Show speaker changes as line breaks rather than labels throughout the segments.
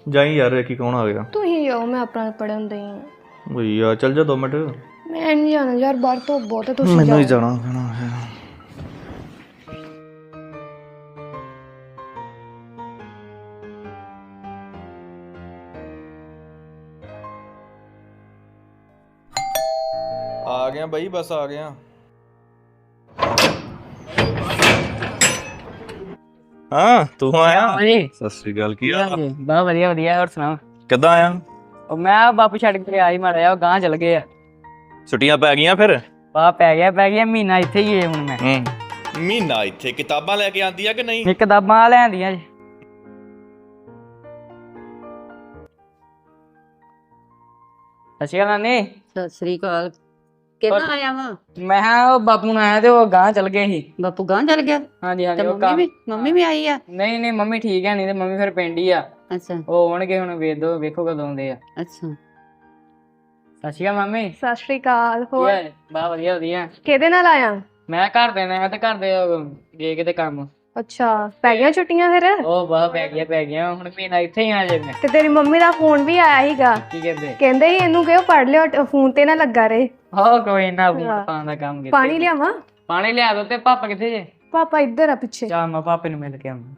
ਜਾਈ ਯਾਰ ਕੀ ਕੌਣ ਆ ਗਿਆ?
ਤੁਸੀਂ ਜਾਓ, ਮੈਂ ਆਪਣਾ ਪੜਨ ਦਈ ਹਾਂ।
ਬਈ ਯਾਰ ਚੱਲ ਜਾ 2 ਮਿੰਟ।
ਮੈਂ ਨਹੀਂ ਜਾਣਾ ਯਾਰ, ਬਾਹਰ ਧੁੱਪ ਬਹੁਤ ਹੈ, ਤੁਸੀਂ
ਮੈਨੂੰ ਹੀ
ਜਾਓ।
ਜਾਣਾ ਪੈਣਾ ਹੈ। ਆ ਗਿਆ ਬਈ, ਬਸ ਆ ਗਿਆ। ਹਾਂ ਤੂੰ ਆਇਆ?
ਹਾਂਜੀ
ਸਤਿ ਸ੍ਰੀ ਅਕਾਲ, ਕੀ ਹਾਲ ਆ?
ਬਹੁਤ ਵਧੀਆ ਵਧੀਆ। ਹੋਰ ਸੁਣਾਓ?
ਕਿੱਦਾਂ ਆਇਆ?
ਉਹ ਮੈਂ ਬਾਪੂ ਛੱਡ ਕੇ ਆਈ ਮਾੜਾ ਜਿਹਾ, ਉਹ ਗਾਂ ਚਲ ਗਏ ਆ।
ਛੁੱਟੀਆਂ ਪੈ ਗਈਆਂ ਫਿਰ?
ਪੈ ਗਿਆ ਮਹੀਨਾ ਇੱਥੇ ਹੀ ਹੈ ਹੁਣ ਮੈਂ।
ਮਹੀਨਾ ਇੱਥੇ? ਕਿਤਾਬਾਂ ਲੈ ਕੇ ਆਂਦੀ ਆ ਕਿ ਨਹੀਂ?
ਕਿਤਾਬਾਂ ਲੈਂਦੀਆਂ ਜੀ। ਸਤਿ ਸ਼੍ਰੀ ਅਕਾਲ ਨਾਨੀ।
ਸਤਿ ਸ੍ਰੀ ਅਕਾਲ। ਕਿੱਦਾਂ ਆਇਆ ਵਾ?
ਮੈਂ ਕਿਹਾ ਉਹ ਬਾਪੂ ਨਾਲ ਆਇਆ ਤੇ ਉਹ ਗਾਂ ਚਲ ਗਏ ਸੀ।
ਬਾਪੂ ਗਾਂ ਚਲ ਗਿਆ?
ਹਾਂਜੀ
ਤੇ
ਉਹ
ਮੰਮੀ ਵੀ ਆਈ ਆ?
ਨਹੀਂ ਮੰਮੀ ਠੀਕ ਹੈ, ਨਹੀਂ ਤੇ ਮੰਮੀ ਫਿਰ ਪਿੰਡ ਹੀ ਆ।
ਅੱਛਾ
ਉਹ ਆਉਣਗੇ ਹੁਣ, ਵੇਖੋ ਕਦੋਂ ਆਉਂਦੇ ਆ।
ਅੱਛਾ।
ਸਤਿ ਸ਼੍ਰੀ ਅਕਾਲ ਮੰਮੀ।
ਸਤਿ ਸ਼੍ਰੀ ਅਕਾਲ। ਹੋਰ
ਬਹੁਤ ਵਧੀਆ ਵਧੀਆ।
ਕਿਹਦੇ ਨਾਲ ਆਇਆ?
ਮੈਂ ਘਰ ਦੇ ਨੇ ਤੇ ਘਰ ਦੇ ਗਏ ਕਿਤੇ ਕੰਮ।
ਅੱਛਾ, ਪੈ ਗਈਆਂ ਛੁੱਟੀਆਂ ਫਿਰ?
ਉਹ ਬਾਹ ਪੈ ਗਿਆ ਹੁਣ ਮਹੀਨਾ ਇੱਥੇ ਹੀ ਆ ਜੇ ਮੈਂ।
ਤੇ ਤੇਰੀ ਮੰਮੀ ਦਾ ਫੋਨ ਵੀ ਆਇਆ ਸੀਗਾ,
ਕੀ ਕਹਿੰਦੇ?
ਕਹਿੰਦੇ ਸੀ ਇਹਨੂੰ ਕਿਉਂ ਪੜ ਲਿਓ, ਫੋਨ ਤੇ ਨਾ ਲੱਗਾ ਰਹੇ।
ਹਾਂ ਕੋਈ ਨਾ, ਬੂਟ ਪਾਉਣ ਦਾ ਕੰਮ ਕੀਤਾ।
ਪਾਣੀ ਲਿਆਵਾਂ?
ਪਾਣੀ ਲਿਆ ਦੋ। ਤੇ ਪਾਪਾ ਕਿੱਥੇ ਜੇ?
ਪਾਪਾ ਇੱਧਰ ਆ ਪਿੱਛੇ।
ਚਾ ਮੈਂ ਪਾਪੇ ਨੂੰ ਮਿਲ ਕੇ ਆਵਾਂ।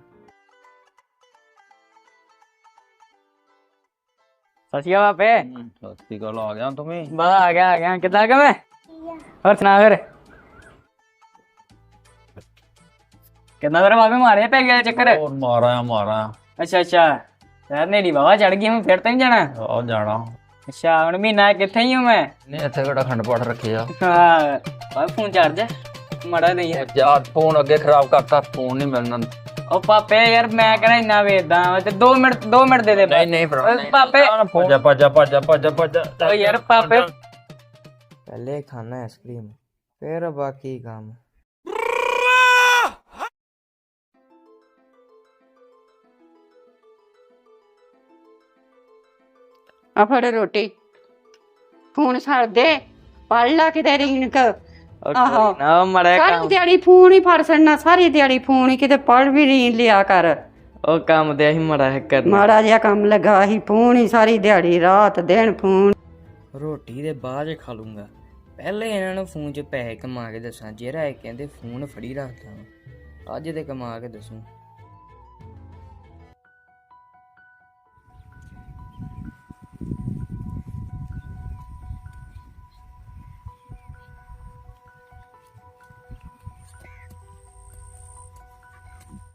ਸਤਿ ਸ਼੍ਰੀ ਅਕਾਲ ਪਾਪੇ।
ਸਤਿ ਸ੍ਰੀ ਅਕਾਲ, ਆ ਗਿਆ ਤੂੰ?
ਬਸ ਆ ਗਿਆ ਕਿੱਦਾਂ ਆ ਮੈਂ। ਹੋਰ ਸੁਣਾ ਫਿਰ ਕਿੱਦਾਂ? ਫਿਰ ਬਾਬੇ ਮਾਰੇ ਪੈ ਗਿਆ ਚੱਕਰ?
ਹੋਰ ਮਾਰਾਂ।
ਅੱਛਾ ਯਾਰ ਨੇੜੀ ਬਾਬਾ ਚੜ ਗਈ, ਹੁਣ ਫਿਰ ਤਾਂ ਨਹੀਂ ਜਾਣਾ?
ਆ ਜਾਣਾ।
ਅੱਛਾ ਹੁਣ ਮਹੀਨਾ ਕਿੱਥੇ ਹੀ ਹੂੰ ਮੈਂ?
ਨਹੀਂ ਇੱਥੇ ਕਿਹੜਾ ਖੰਡ ਪਾਠ ਰੱਖਿਆ?
ਹਾਂ ਬਾਬਾ ਫੋਨ ਚਾਰਜ ਮਾੜਾ ਨਹੀਂ ਹੈ
ਯਾਰ, ਫੋਨ ਅੱਗੇ ਖਰਾਬ ਕਰਤਾ, ਫੋਨ ਨਹੀਂ ਮਿਲਣਾ।
ਉਹ ਪਾਪੇ ਯਾਰ ਮੈਂ ਕਹਿੰਦਾ ਇੰਨਾ ਵੇਚਦਾ ਤੇ 2 ਮਿੰਟ ਦੇ ਦੇ।
ਨਹੀਂ ਭਰਾ
ਪਾਪੇ
ਭੱਜ।
ਓ ਯਾਰ ਪਾਪੇ
पहले खाना आइसक्रीम फिर बाकी काम।
ਆ ਫੜ ਰੋਟੀ। ਫੋਨ ਛੱਡ ਦੇ, ਪੜ ਲਾ ਕਿਤੇ ਰਿੰਕ। ਆਹੋ
ਨਾ ਮੜਾ
ਸਾਰੀ
ਕੰਮ।
ਦਿਹਾੜੀ ਫੋਨ ਹੀ ਫੜ ਛੱਡਣਾ, ਸਾਰੀ ਦਿਹਾੜੀ ਫੋਨ ਹੀ, ਕਿਤੇ ਪੜ ਵੀ ਨਹੀਂ ਲਿਆ ਕਰ।
ਉਹ ਕੰਮ ਤੇ ਅਸੀਂ ਮੜਾ ਹੈ ਕਰਨਾ।
ਮਾੜਾ ਜਿਹਾ ਕੰਮ ਲੱਗਾ ਸੀ, ਫੋਨ ਹੀ ਸਾਰੀ ਦਿਹਾੜੀ ਰਾਤ ਦਿਨ ਫੋਨ।
ਰੋਟੀ ਦੇ ਬਾਅਦ ਖਾ ਲੂੰਗਾ, ਪਹਿਲੇ ਇਹਨਾਂ ਨੂੰ ਫੋਨ 'ਚ ਪੈਸੇ ਕਮਾ ਕੇ ਦੱਸਾਂ। ਜਿਹੜਾ ਇਹ ਕਹਿੰਦੇ ਫੋਨ ਫੜੀ ਰੱਖਦਾ ਅੱਜ ਤੇ ਕਮਾ ਕੇ ਦੱਸੂ।